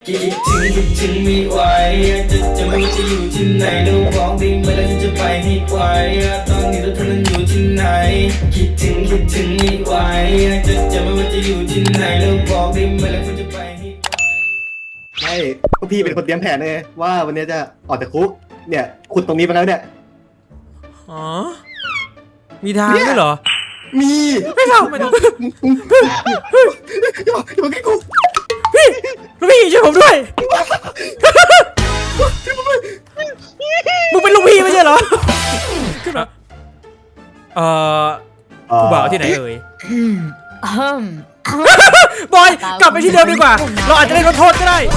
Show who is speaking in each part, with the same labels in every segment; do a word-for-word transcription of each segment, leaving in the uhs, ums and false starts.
Speaker 1: คิดถึงคิดถึงไม่ไหวจะจะไม่ว่าจะอยู่ที่ไหนแล้วบอกได้ไหมแล้วฉันจะไปให้ไวตอนนี้เราเธอนั้นอยู่ที่ไหนคิดถึงคิดถึงไม่ไหวจะจะไม่ว่าจะอยู่ที่ไหนแล้วบอกได้ไหมแล้วฉันจะไปให้ไว
Speaker 2: ไม่พวกพี่เป็นคนเตรียมแผนเลยว่าวันนี้จะออกจากคุกเนี่ยขุดตรงนี้ไปแล้วเนี่ย
Speaker 3: อ๋อมีทางด้วยเหรอ
Speaker 2: มี
Speaker 3: ไม่เอาไม่เอา
Speaker 2: อย่าอย่ามาใกล้กู
Speaker 3: พี่ลูกพี่ช่วยผมด้วยมึงเป็นลูกพี่ไม่ใช่เหรอขึ้นมาเอ่อกูบ่าวที่ไหนเอ่ยบอยกลับไปที่เดิมดีกว่าเราอาจจะได้ลดโทษก็ได้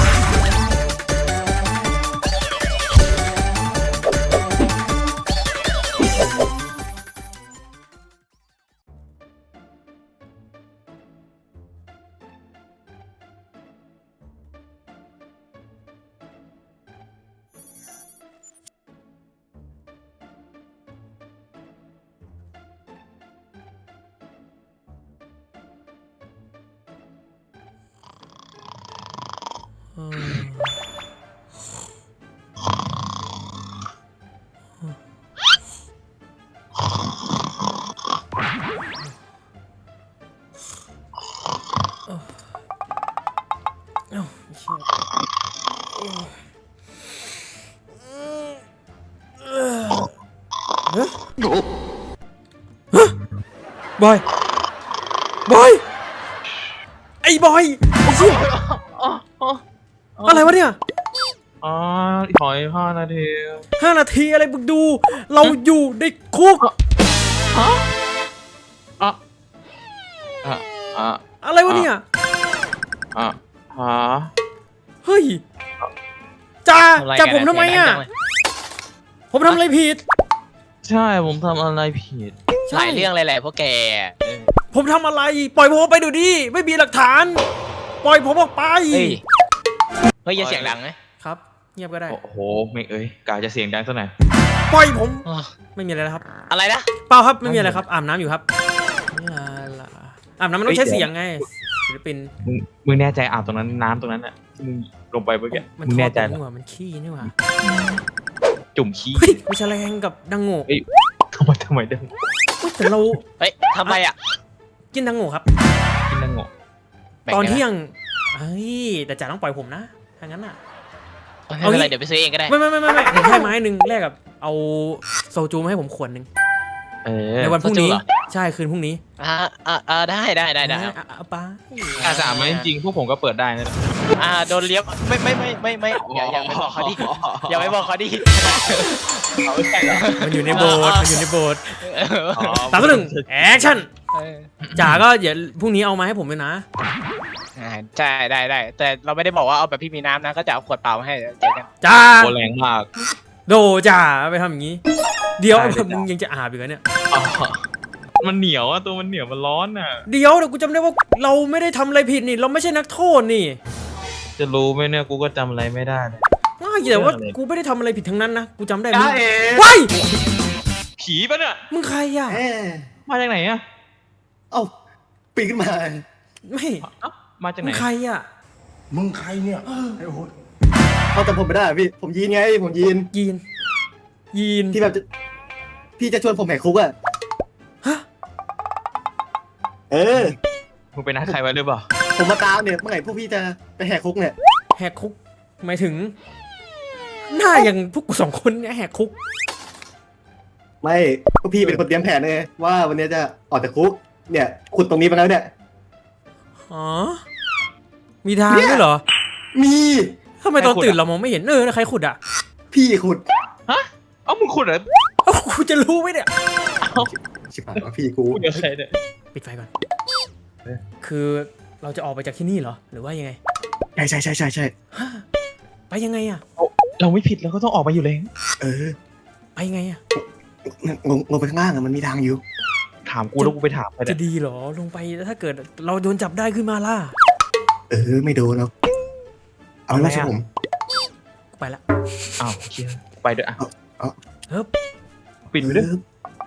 Speaker 3: บอยบอยไอ้บอยไอ้เชี่ยอะไรวะเนี่ย
Speaker 4: อ๋อถอยห้านาที
Speaker 3: ห้านาทีอะไรมึงดูเราอยู่ในคุก
Speaker 4: ฮะอ่ะอ่ะอ่ะ
Speaker 3: อะไรวะเนี่ย
Speaker 4: อ่ะฮะ
Speaker 3: เฮ้ยจ่าจับผมทำไมอ่ะผมทำอะไรผิด
Speaker 4: ใช่ผมทำอะไรผิด
Speaker 5: หลายเรื่องอะไรแหละพวกแก
Speaker 3: ผมทำอะไรปล่อยผมออกไปดูดิไม่มีหลักฐานปล่อยผมออกไป
Speaker 5: เฮ้ยเฮ้ยอย่าเสียงดังนะครับ
Speaker 3: เงียบก็ได้
Speaker 4: โอ้โหไม่เอ้ยกาจะเสียงดังซะหน่อย
Speaker 3: ปล่อยผมไม่มีอะไรแล้วครับ
Speaker 5: อะไรนะ
Speaker 3: เปล่าครับไม่มีอะไรครับอาบน้ำอยู่ครับอาบน้ำมันต้องใช้เสียงไงศิลปิน
Speaker 4: มึงมึงแน่ใจอาบตรงนั้นน้ำตรงนั้นอ่ะมึงลงไปเมื่อกี้มึงแน่ใจเหรอ
Speaker 3: มันขี้นี่หว่า
Speaker 4: จุ่มขี้
Speaker 3: ไม่ใช่แรงกับดังโง่
Speaker 4: ทำไมทำไมดัง
Speaker 3: แต่เรา
Speaker 5: เฮ้ยทำไมอ่ะ
Speaker 3: กินดังโง่ครับ
Speaker 4: กินดังโง่
Speaker 3: ตอนเที่ยงเฮ้ยแต่จ่าต้องปล่อยผมนะถ้างั้นอ่ะ
Speaker 5: เอาอะไรเดี๋ยวไปซื้อเองก็ได้
Speaker 3: ไม่ไม่ไม่ไม่ไม่ผมให้ไม้หนึ่งแลกกับเอาโซจูมาให้ผมขวดหนึ่งในวันพรุ่งนี้ใช่คืนพรุ่งนี้
Speaker 5: อ่าอ่าได้ได้ได้ได้
Speaker 3: เอาไป
Speaker 4: อาสามไหมจริงพวกผมก็เปิดได้นะ
Speaker 5: อ่าโดนเลี้ยบไม่ไม่ไม่ไม่ไม่อย่าอย่าไปบอกเขาดิอย่าไปบอกเขาดิ
Speaker 3: มันอยู่ในโบสถ์มันอยู่ในโบสถ์สามต่อหนึ่งแอคชั่นจ่าก็เดี๋ยวพรุ่งนี้เอามาให้ผมเลยนะ
Speaker 5: ใช่ได้ได้แต่เราไม่ได้บอกว่าเอาแบบพี่มีน้ำนะก็จะเอาขวดเปล่ามาให้เจ๊กัน
Speaker 3: จ้า
Speaker 4: โคแรงมาก
Speaker 3: โดจ่าไปทำอย่างนี้เดี๋ยวมึงยังจะอาบอีกเนี่ย
Speaker 4: มันเหนียวอะตัวมันเหนียวมันร้อนอะ
Speaker 3: เดี๋ยวเดี๋ยวกูจำได้ว่าเราไม่ได้ทำอะไรผิดนี่เราไม่ใช่นักโทษนี่
Speaker 4: จะรู้ไหมเนี่ยกูก็จำอะไรไม่ได้
Speaker 3: ง่ายแต่ว่ากูไม่ได้ทำอะไรผิดทั้งนั้นนะกูจำได้มึงว้าย
Speaker 4: ผีปะเนี่ย
Speaker 3: มึงใครอะ
Speaker 4: มาจากไหนอะ
Speaker 2: เอ้าปีนขึ้นมา
Speaker 3: ไม่
Speaker 4: มาจากไหน
Speaker 3: มึงใครอะ
Speaker 2: มึงใครเนี่ยไอ้โหดเขาจำผมไม่ได้พี่ผมยีนไงผมยีน
Speaker 3: ยีนยีน
Speaker 2: ที่แบบพี่จะชวนผมแหกคุกอะ
Speaker 3: ฮะ
Speaker 2: เออ
Speaker 4: มึงไปนัดใครไว้หรือเปล่า
Speaker 2: ผมมาตามเนี่ยเมื่อไหร่พวกพี่จะไปแหกคุกเนี่ย
Speaker 3: แหกคุกหมายถึงหน้าอย่างพวกกูสองคนเนี่ยแหกคุก
Speaker 2: ไม่พวกพี่เป็นคนเตรียมแผนเลยว่าวันนี้จะออกจากคุกเนี่ยขุดตรงนี้ไปแล้วเนี่ย
Speaker 3: อ๋อมีทางด้วยเหรอ
Speaker 2: มี
Speaker 3: ทำไมตอนตื่นเรามองไม่เห็นเออใครขุดอ่ะ
Speaker 2: พี่ขุด
Speaker 4: ฮะเอ้ามึงขุดเหรอ
Speaker 3: เอ้ากูจะรู้ไหมเนี่ย
Speaker 2: ชิบหายแล้วพี่กู
Speaker 4: เดี๋ยวใครเนี่ย
Speaker 3: ปิดไฟก่อนคือเราจะออกไปจากที่นี่เหรอหรือว่ายังไง
Speaker 2: ใช่ใช่ใช่ใช่ใช่
Speaker 3: ไปยังไงอ่ะ
Speaker 4: เราไม่ผิดเราก็ต้องออกไปอยู่เลย
Speaker 2: เออ
Speaker 3: ไปยังไงอ่ะ
Speaker 2: ลงลงไปข้างล่างอะมันมีทางอยู่
Speaker 4: ถามกูแล้วกูไปถามไป
Speaker 3: จะดีเหรอลงไปถ้าเกิดเราโดนจับได้ขึ้นมาล่ะ
Speaker 2: เออไม่โดนหรอกเอาไม่ใช่ผม
Speaker 3: ไปละ
Speaker 4: อ้าวเชียไปเด้ออ่ะ
Speaker 3: เฮ้ย
Speaker 4: ปิดไปด้วย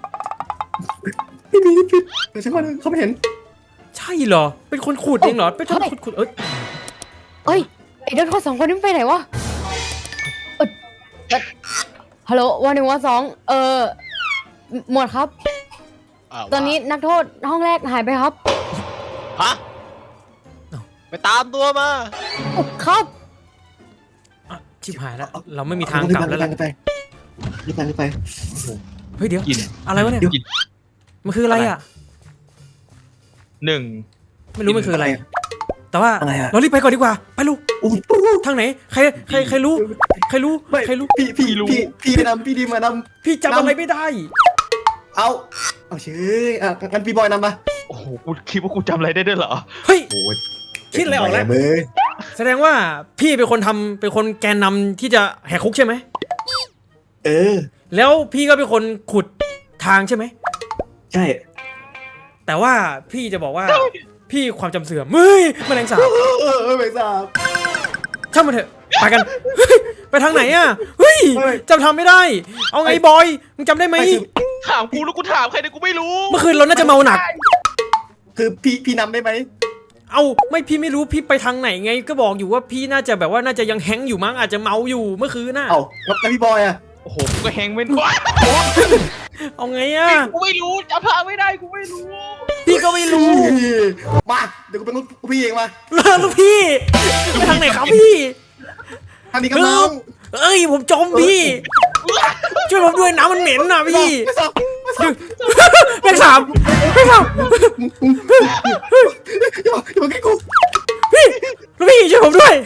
Speaker 2: ไม่มีปิดแต่ฉันว่าเขาไม่เห็น
Speaker 3: ใช่เหรอเป็นคนขุดเองเหรอเป็นคนขุดขุดเอ้ย
Speaker 6: เอ้ยไอ้เด็กคนสองคนนี้มันไปไหนวะเออเอ่อฮัลโหลวันหนึ่งวันสองเออหมวดครับ ตอนนี้นักโทษห้องแรกหายไปครับ
Speaker 5: ฮะไปตามตัวมา
Speaker 6: ครับ
Speaker 3: อ่ะชิบหายแล้วเราไม่มีทางกลับแล้วแหละ
Speaker 2: รีบไปรีบไปรีบไป
Speaker 3: เฮ้ยเดี๋ยว
Speaker 4: กิน
Speaker 3: อะไรวะเนี่ย
Speaker 4: กิน
Speaker 3: มันคืออะไรอ่ะ
Speaker 4: หนึ่ง
Speaker 3: ไม่รู้มันคืออะไร แต่ว่า
Speaker 2: อะไรอะ
Speaker 3: เรารีบไปก่อนดีกว่าไปลูก
Speaker 2: อู้
Speaker 3: ทางไหนใครใครใครรู้ใครรู้
Speaker 2: ไม่
Speaker 3: ใครรู้
Speaker 2: พี่พี่พี่พี่ไปนำพี่ดีมานำ
Speaker 3: พี่จำอะไรไม่ได้
Speaker 2: เอาเอาเชยอ่ะงั้นพี่บอยนำมา
Speaker 4: โอ้โหกูคิดว่ากูจำอะไรได้ด้วยเหรอ
Speaker 3: เฮ้ย
Speaker 2: โอ้ย
Speaker 3: คิดอะไรออกแล้ว
Speaker 2: เบ้ย
Speaker 3: แสดงว่าพี่เป็นคนทำเป็นคนแกนนำที่จะแหกคุกใช่ไหม
Speaker 2: เออ
Speaker 3: แล้วพี่ก็เป็นคนขุดทางใช่ไหม
Speaker 2: ใช่
Speaker 3: แต่ว่าพี่จะบอกว่าพี่ความจำเสื่อมเฮ้ยแมลงสาบ
Speaker 2: เออเออเออไม่ทราบ
Speaker 3: ช่างมันเถอะไปกันเฮ้ยไปทางไหนอ่ะเฮ้ย
Speaker 2: เฮ้ย
Speaker 3: จำทำไม่ได้ เอาไงบอยมึงจำได้ไหม
Speaker 2: ไม่คือ
Speaker 4: ถามกูแล้วกูถามใครเนี่ยกูไม่รู้
Speaker 3: เมื่อคืนเราน่าจะเมาหนัก
Speaker 2: คือพี่พี่นำได้ไหม
Speaker 3: เอาไม่พี่ไม่รู้พี่ไปทางไหนไง ก็บอกอยู่ว่าพี่น่าจะแบบว่าน่าจะยังแฮงก์อยู่มั้งอาจจะเมาอยู่เมื่อคืนน่ะ
Speaker 2: เอาแล้วพี่บอยอ่ะ
Speaker 4: โอ้โหกูก็แฮงก์ไม่ได้
Speaker 3: เอาไงอ่ะ
Speaker 5: กูไม่รู้จำทางไม่ได้กูไม่รู้
Speaker 3: พี่ก็ไม่รู้
Speaker 2: มาเดี๋ยวกูเป็นลูกพี่เองมา
Speaker 3: แล้วลูกพี่ไปทางไหนครับพี่
Speaker 2: ทางนี้กับน้อง
Speaker 3: เอ้ยผมจมพี่ช่วยผมด้วยน้ำมันเหม็นน่ะพี่
Speaker 2: ไม่ทราบไม่ทราบ
Speaker 3: แม่งสามแม่งสาม
Speaker 2: อย่ามาอย่ามาใกล้กู
Speaker 3: พี่ลูกพี่ช่วยผมด้วย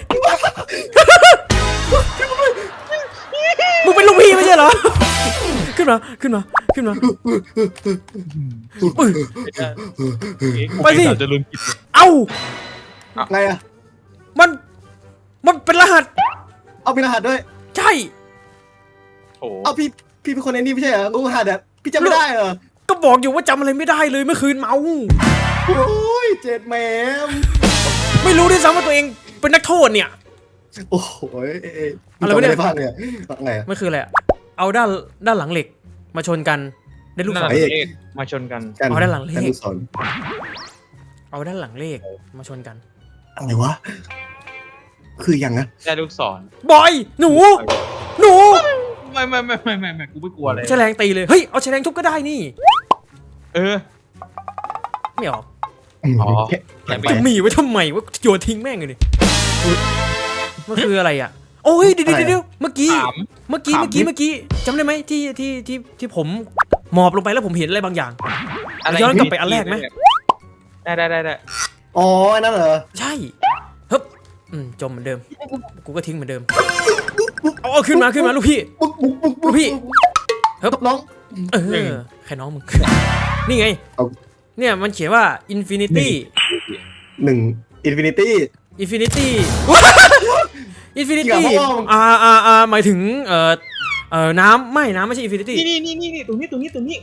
Speaker 3: มึงเป็นลูกพี่ไม่ใช่เหรอขึ้นมาขึ้นมาขึ้นมาอุ๊ย ไปสิ
Speaker 4: จะลืมกิน
Speaker 3: เอ้า
Speaker 2: ไงอ่ะ
Speaker 3: มันมันเป็นรหัส
Speaker 2: เอาเป็นรหัสด้วย
Speaker 3: ใช่
Speaker 4: โอ้โห
Speaker 2: เอาพี่พี่เป็นคนในนี่ไม่ใช่เหรอรู้รหัสอ่ะพี่จำไม่ได้เหรอ
Speaker 3: ก็บอกอยู่ว่าจำอะไรไม่ได้เลยเมื่อคืนเมา
Speaker 2: โอ้ยเจ็ดแหมม
Speaker 3: ไม่รู้ด้วยซ้ำว่าตัวเองเป็นนักโทษเนี่ย
Speaker 2: โอ้โหเอ๊ะ
Speaker 3: อะไรวะเนี่ย
Speaker 2: จำด้บ้างเนี่ยไงอะ
Speaker 3: มันคืออะไรอะเอาด้านด้านหลังเหล็กมาชนกันได้ลูกศ
Speaker 4: นั่น
Speaker 3: ร
Speaker 4: แหละ
Speaker 2: เอก
Speaker 4: มาชนกัน
Speaker 2: กัน
Speaker 3: เอาด้านหลังเลข
Speaker 2: กันดูสอน
Speaker 3: เอาด้านหลังเลขมาชนกัน
Speaker 2: อะไรวะคืออย่างนะ
Speaker 4: ได้ลูกศร
Speaker 3: บอยหนู หนู
Speaker 4: ไม่ไม่ไม่ไม่ไม่ไม่กูไม่กลัวเลย
Speaker 3: แฉลงตีเลยเฮ้ยเอาแฉลงทุบก็ได้นี่
Speaker 4: เออ
Speaker 3: ไม่ออก
Speaker 4: อ๋อ
Speaker 2: แค่แค่ไป
Speaker 3: จะมีไว้ทำไมว่าโยนทิ้งแม่งเลยนี่มันคืออะไรอ่ะโอ้ยเดี๋ยวเดี๋ยวเดี๋ยวเมื่อกี้
Speaker 4: ถาม
Speaker 3: เมื่อกี้
Speaker 4: ถาม
Speaker 3: เมื่อกี้
Speaker 4: ดิ
Speaker 3: เมื่อกี้จำได้ไหมที่ที่ที่ที่ผมหมอบลงไปแล้วผมเห็นอะไรบางอย่าง
Speaker 4: อะไร
Speaker 3: ย้อนกลับไปอันแรกไหม
Speaker 4: ได้ได้ได้ได้
Speaker 2: อ๋ออันนั่นเหรอ
Speaker 3: ใช่ฮึบอืมจมเหมือนเดิมกูก็ทิ้งเหมือนเดิมเอาเอาขึ้นมาขึ้นมาลูกพี่
Speaker 2: ปุ๊บปุ๊บปุ๊บ
Speaker 3: ลูกพี่
Speaker 2: เฮ้ยน้อง
Speaker 3: เออใครน้องมึง นี่ไง
Speaker 2: เอา
Speaker 3: เนี่ยมันเขียนว่า infinity
Speaker 2: หนึ่งอินฟินิตี้
Speaker 3: infinity
Speaker 2: เกี่
Speaker 3: infinity
Speaker 2: ยวกับพ่อมึง
Speaker 3: อ่าอ่าอ่าหมายถึงเอ่อเอ่อน้ำไม่น้ำไม่ใช่ infinity
Speaker 4: นี่นี่นี่นี่ตรงนี้ตรงนี้ตรงนี้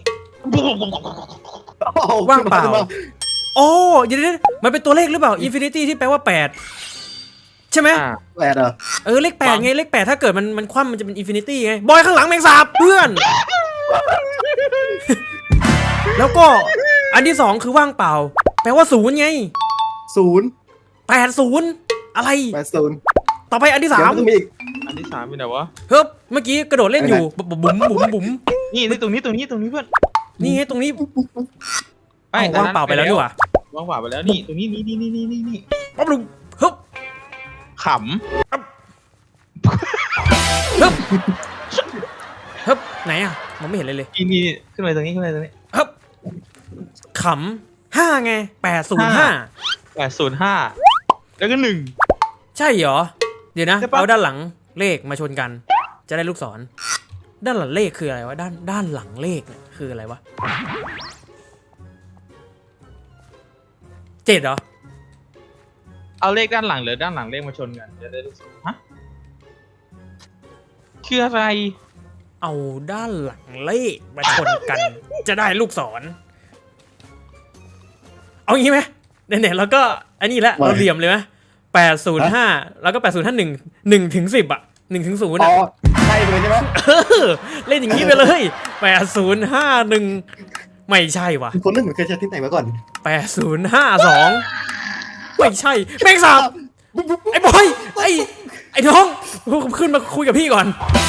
Speaker 3: ว่างเปล่า โอ้เดี๋ยวเดี๋ยวมันเป็นตัวเลขหรือเปล่า infinity ที่แปลว่าแปดใช่ไหม
Speaker 4: อ่า
Speaker 2: แปดเหรอ
Speaker 3: เออเลขแปดไงเลขแปดถ้าเกิดมันมันคว่ำมันจะเป็น infinity ไงบอยข้างหลังแมงสาบเพื่อน แล้วก็อันที่สองคือว่างเปล่า แปลว่าศูนย์ไง
Speaker 2: ศูนย์
Speaker 3: แปดศูนย์อะไร
Speaker 2: แปดศูนย์
Speaker 3: ต่อไปอันที่
Speaker 2: เดี๋ย
Speaker 3: สาว ม
Speaker 2: มันต้องมีอีก
Speaker 4: อันที่สามเป็นไหนวะ
Speaker 3: เฮ้ยเมื่อกี้กระโดดเล่นอยู่บุ๋มบุ๋มบุ๋มบุ๋ม
Speaker 4: นี่นี่ตรงนี้ตรงนี้ตรงนี้เพื่อน
Speaker 3: นี่ไงตรงนี้
Speaker 4: ไม่
Speaker 3: อ้าวว่างเปล่าไปแล้วดีกว่า
Speaker 4: ว่างเปล่าไปแล้วนี่ตรงนี้นี่นี่นี่นี่นี่นี่
Speaker 3: ปั๊บลุงเฮ้ย
Speaker 4: ข
Speaker 3: เฮ้ยเฮ้ยไหนอ่ะมองไม่เห็นเลยเลย
Speaker 4: ำนี่นี่ขึ้นไปตรงนี้ขึ้นไปตรงนี้
Speaker 3: เฮ้ยขำห้าไงแปดศูนย์ห้า
Speaker 4: แปดศูนย์ห้าแล้วก็หนึ่ง
Speaker 3: ใช่เหรอ เดี๋ยวนะ
Speaker 4: ใช่ปะ
Speaker 3: เอาด้านหลังเลขมาชนกัน จะได้ลูกศร ด้านหลังเลขคืออะไรวะ ด้านด้านหลังเลขเนี่ยคืออะไรวะเจ็ดเหรอ
Speaker 4: เอาเลขด้านหลังหรือด้านหลังเลขมาชนกันจะได้ลูกศรฮะคืออะไร
Speaker 3: เอาด้านหลังเลขมาชนกัน จะได้ลูกศร เอางี้ไหมเนี่ยๆแล้วก็อันนี้แหละเราเหลี่ยมเลยไหมแปดศูนย์ห้าแล้วก็แปดศูนย์ห้าหนึ่งหนึ่งถึงสิบอ่ะหนึ่งถึงศูนย์
Speaker 2: อ๋
Speaker 3: อ่ะ
Speaker 2: อใช่เลยใช่ไหม
Speaker 3: เออเล่นอย่างนี้ไปเลยแปดศูนย์ห้าหนึ่งไม่ใช่วะ
Speaker 2: คนนึกเหมือนเคยใช้ที่ไหนมาก่อน
Speaker 3: แปดศูนย์ห้าสองไม่ใช่แม่งสาบไอ้บอยไอ้ไอ้น้องขึ้นมาคุยกับพี่ก่อน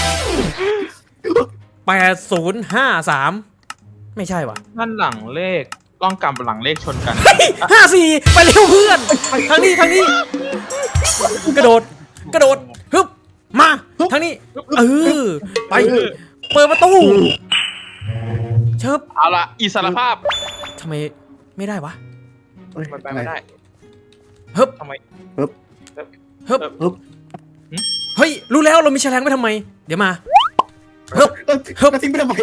Speaker 3: แปดศูนย์ห้าสามไม่ใช่วะ
Speaker 4: นั่นหลังเลขล่องกำหลังเลขชนกัน
Speaker 3: ห้าสี่ไปเร็วเพื่อนทางนี้ทางนี้กระโดดกระโดดฮึบมาทางนี้เออไปเปิดประตูเชิบ
Speaker 4: เอาละอิสรภาพ
Speaker 3: ทำไมไม่ได้วะ
Speaker 4: มันไปไม่ได้
Speaker 3: ฮึบ
Speaker 4: ทำไม
Speaker 3: ฮึบ
Speaker 2: ฮึบ
Speaker 3: เฮ้ยรู้แล้วเรามีแฉลงไว้ทำไมเดี๋ยวมาฮึบ
Speaker 2: เฮ้ยทิ้งไปทำไม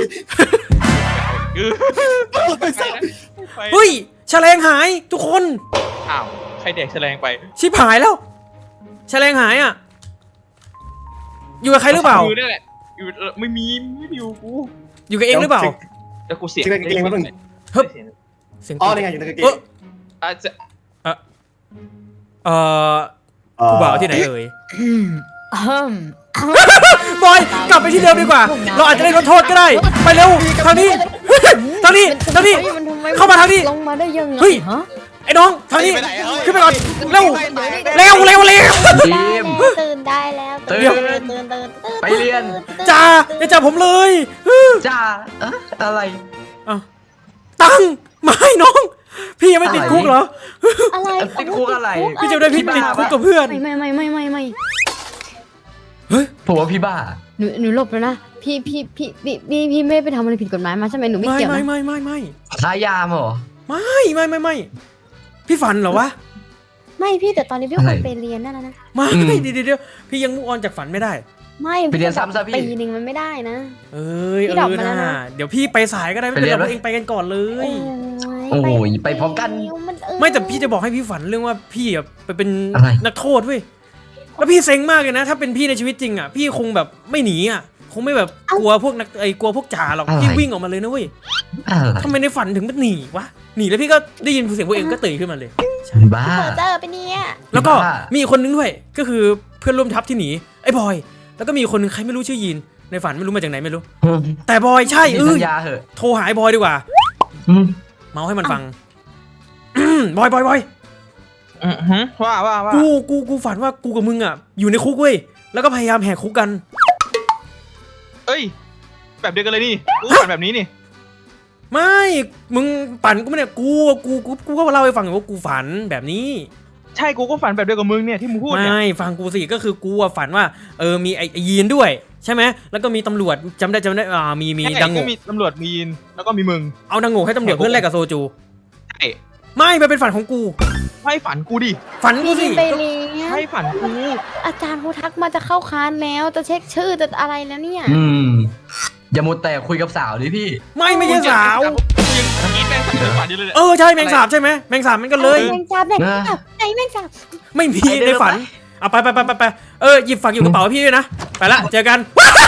Speaker 3: เฮ้ยแฉลงหายทุกคน
Speaker 4: อ้าวใครเด็กแสดงไป
Speaker 3: ชิบหายแล้วแฉลงหายอ่ะอยู่กับใครหรือเปล่า
Speaker 4: อยู่นี่แหละอยู่ไม่มีไม่อยู่กู
Speaker 3: อยู่กับเองหรือเปล่า
Speaker 4: แล้วกูเสียง
Speaker 2: เก่งๆมาหนึ่ง
Speaker 3: ฮึบเสียง
Speaker 2: อ๋อนี่ไงอยู่ในกางเก
Speaker 3: เอง อ
Speaker 4: อาจจะ
Speaker 3: เอ่อผู้บ่าวที่ไหนเอ่ย
Speaker 6: อืม
Speaker 3: บอยกลับไปที่เดิมดีกว่า เราอาจจะได้ลดโทษก็ได้ ไปเร็วทางนี้ทางนี้ทางนี้
Speaker 6: มันทำไม
Speaker 3: เข้ามาทางนี้
Speaker 6: ลงมาได้ยังไง
Speaker 3: เฮ้ย
Speaker 6: ฮะ
Speaker 3: ไอ้น้องทางนี้ขึ้นไปก่อนเร็วเร็วเร็วเร็ว
Speaker 6: ตื่นได้แล้ว
Speaker 7: ตื่น
Speaker 6: ตื่นตื่นตื่น
Speaker 7: ไปเรียน
Speaker 3: จ้าอย่าจับผมเลย
Speaker 7: จ้าเอ๊ะอะไร
Speaker 3: อ้าวตังค์ไม่น้อง พี่ยังไม่ติดคุกเหรอ
Speaker 6: อะไร
Speaker 7: ติดคุกอะไร
Speaker 3: พี่จะได้พี่ติดคุกกับเพื่อน
Speaker 6: ไม่ไม่ไม่ไม่ไม่ไม่
Speaker 3: เฮ้ย
Speaker 7: ผมว่าพี่บ้า
Speaker 6: หนูหนูหลบแล้วนะพี่พี่พี่พี่พี่พี่ไม่ไปทำอะไรผิดกฎหมายมาใช่ไหมหนูไม่
Speaker 3: ไม่
Speaker 6: เกี่ยว
Speaker 3: ไม่
Speaker 6: นะ
Speaker 3: ไม่ไม่ไม่
Speaker 7: ค้ายามเหรอ
Speaker 3: ไม่ไม่ไม่ไม่พี่ฝันเหรอวะ
Speaker 6: ไม่พี่แต่ตอนนี้พี่
Speaker 7: อะไร
Speaker 6: ควรไปเรียนนั่นนะนะ
Speaker 3: ไม่
Speaker 7: อืม
Speaker 3: เดี๋ยวเดี๋ยวเดี๋ยวพี่ยังมุกออนจากฝันไม่ได้
Speaker 6: ไม่
Speaker 7: ไปเรียนซ้ำซะพี่
Speaker 6: ปีหนึ่งมันไม่ได้นะ
Speaker 3: เอ้ย
Speaker 6: พี่
Speaker 3: เอ
Speaker 6: ดอก
Speaker 3: อ
Speaker 6: มาแล้ว
Speaker 3: นะ
Speaker 6: นะ
Speaker 3: เดี๋ยวพี่ไปสายก็ได้ไม่เป็นไร
Speaker 7: ไปเรียนไหม
Speaker 3: พวกเองไปกันก่อนเลย
Speaker 7: โอ้ยไปพร้อมกัน
Speaker 3: ไม่แต่พี่จะบอกให้พี่ฝันเรื่องว่าพี่อะไปเป็น
Speaker 7: อะไร
Speaker 3: นักโทษเว้ยแล้วพี่เซ็งมากเลยนะ ถ้าเป็นพี่ในชีวิตจริงอ่ะพี่คงแบบไม่หนีอ่ะคงไม่แบบกลัวพวกนักไอ้กลัวพวกจ่าหรอก
Speaker 7: อะไร
Speaker 3: พี่วิ่งออกมาเลยนะเว้ย
Speaker 7: อะไร
Speaker 3: ทำไมในฝันถึงมันหนีวะหนีแล้วพี่ก็ได้ยินเสียงพวกเองก็ตื่นขึ้นมาเลย
Speaker 7: บ้า
Speaker 6: เจอไปเนี่ย
Speaker 3: แล้วก็
Speaker 7: บ้ามี
Speaker 3: มีอีกคนนึงด้วยก็คือเพื่อนร่วมทัพที่หนีไอ้บอยแล้วก็มีอีกคนนึงใครไม่รู้ชื่อยีนในฝันไม่รู้มาจากไหนไม่รู้ แต่บอยใช่เอ
Speaker 7: มี
Speaker 3: อ
Speaker 7: สัญญาเหอะ
Speaker 3: โทรหาไอ้บอยดีกว่า
Speaker 7: อืม
Speaker 3: เมาให้มันฟัง บอยบอยบอย
Speaker 4: อือฮึว่าว่าว่า
Speaker 3: กูกูกูฝันว่ากูกับมึงอ่ะอยู่ในคุกเว้ยแล้วก็พยายามแหกคุกกัน
Speaker 4: เอ้ยแบบเดียวกันเลยนี่กูฝันแบบนี้นี่
Speaker 3: ไม่มึงปั่นกูไม่เนี่ยกูกูกูกูก็เล่าให้ฟังอยู่ว่ากูฝันแบบนี้
Speaker 4: ใช่กูก็ฝันแบบเดียวกับมึงเนี่ยที่มึงพูดเนี่ย
Speaker 3: ไม่ฟังกูสิก็คือกูอะฝันว่าเออมีไอ้ไอ้ยีนด้วยใช่ไหมแล้วก็มีตำรวจจำได้จำได้อ่ามีมี
Speaker 4: ใช่
Speaker 3: ดังโง่
Speaker 4: ก็มีตำรวจมีนแล้วก็มีมึง
Speaker 3: เอาดังโง่ให้ตำรวจเพื่อนแลกกับโซจู
Speaker 4: ใช่
Speaker 3: ไม่มันเป็นฝันของกู
Speaker 4: ให้ฝันกูดิ
Speaker 3: ฝันกูสิ
Speaker 6: ไปเรียน
Speaker 4: ให้ฝันกู
Speaker 6: อาจารย์เขาทักมาจะเข้าคลาสแล้วจะเช็คชื่อจะอะไรแล้วเนี่ย
Speaker 7: อืมอย่ามัวแต่คุยกับสาวดิพี่
Speaker 3: ไม่ไม่ใช่สาว
Speaker 4: ยังกินแม่งฝันฝันอยู่เลยเนี่ย
Speaker 3: เออใช่แมงสาบใช่ไหมแมงสาบมันกันเลย
Speaker 6: แมงสาบแมงสาบไหนแมงสาบ
Speaker 3: ไม่มีในฝันเอาไปไปไปไปไปเออหยิบฝากอยู่กระเป๋าพี่ด้วยนะไปละเจอกัน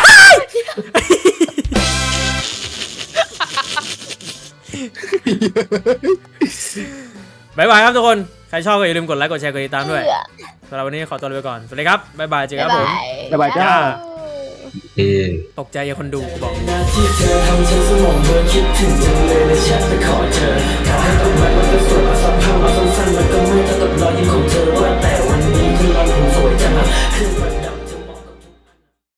Speaker 3: บายบายครับทุกคนใครชอบก็อย่าลืมกดไลค์กดแชร์กดติดตามด้วยสำหรับวันนี้ขอตัวลาไปก่อนสวัสดีครับบายบายเจอกันครับผม
Speaker 2: บ๊ายบายจ้า
Speaker 7: เออ
Speaker 3: ตกใจอย่าคนดูกูบอก
Speaker 1: หน้าที่เธอทำฉันสมองเบลอคิดถึงจังเลยเลยแชทไปขอเจอถ้าให้ต้องแวะมันก็สวยมาสักพักมาสั้นๆมันก็ไม่เท่ากับรอยยิ้มของเธอว่าแต่วันนี้คุณรอนผมสวยจังอะขึ้นมา